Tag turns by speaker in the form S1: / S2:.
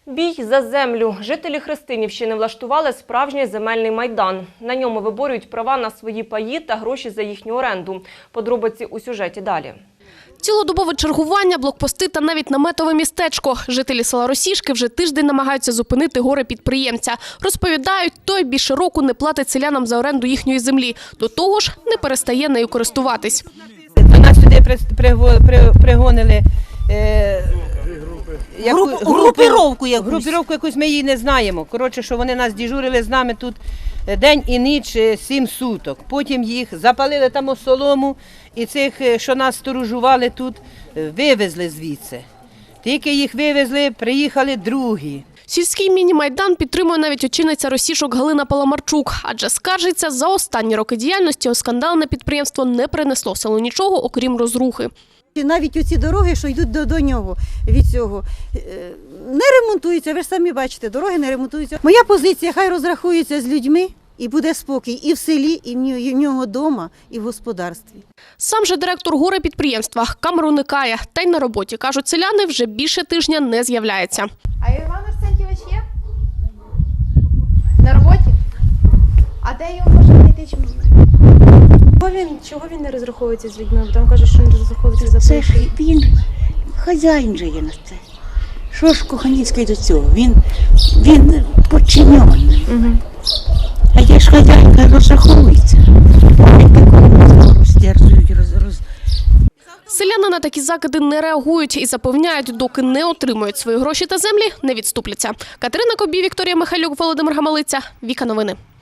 S1: Бій за землю. Жителі Христинівщини влаштували справжній земельний майдан. На ньому виборюють права на свої паї та гроші за їхню оренду. Подробиці у сюжеті далі.
S2: Цілодобове чергування, блокпости та навіть наметове містечко. Жителі села Росішки вже тиждень намагаються зупинити горе-підприємця. Розповідають, той більше року не платить селянам за оренду їхньої землі. До того ж, не перестає нею користуватись.
S3: До нас сюди пригонили групіровку якусь, ми її не знаємо. Коротше, що вони нас дежурили з нами тут день і ніч 7 суток. Потім їх запалили там солому і цих, що нас сторожували тут, вивезли звідси. Тільки їх вивезли, приїхали другі.
S2: Сільський міні-майдан підтримує навіть очільниця Росішок Галина Паламарчук. Адже скаржиться, за останні роки діяльності скандальне підприємство не принесло селу нічого, окрім розрухи.
S4: Навіть оці дороги, що йдуть до нього від цього, не ремонтуються. Ви ж самі бачите, дороги не ремонтуються. Моя позиція, хай розрахується з людьми і буде спокій і в селі, і в нього вдома, і в господарстві.
S2: Сам же директор горе-підприємства камер уникає. Та й на роботі, кажуть селяни, вже більше тижня не з'являється.
S5: А Іван Арсентьович є? На роботі? А де його можна знайти? Чого він не розраховується з людьми? Бо там кажуть, що він розраховується за
S6: Це ж він хазяїн же є на це. Що ж Коханіцький до цього? Він подчинений. А я ж хазяїнка розраховується. Він такого роздержують,
S2: Селяни на такі закиди не реагують і запевняють, доки не отримують свої гроші та землі, не відступляться. Катерина Кобій, Вікторія Михайлюк, Володимир Гамалиця. Віка Новини.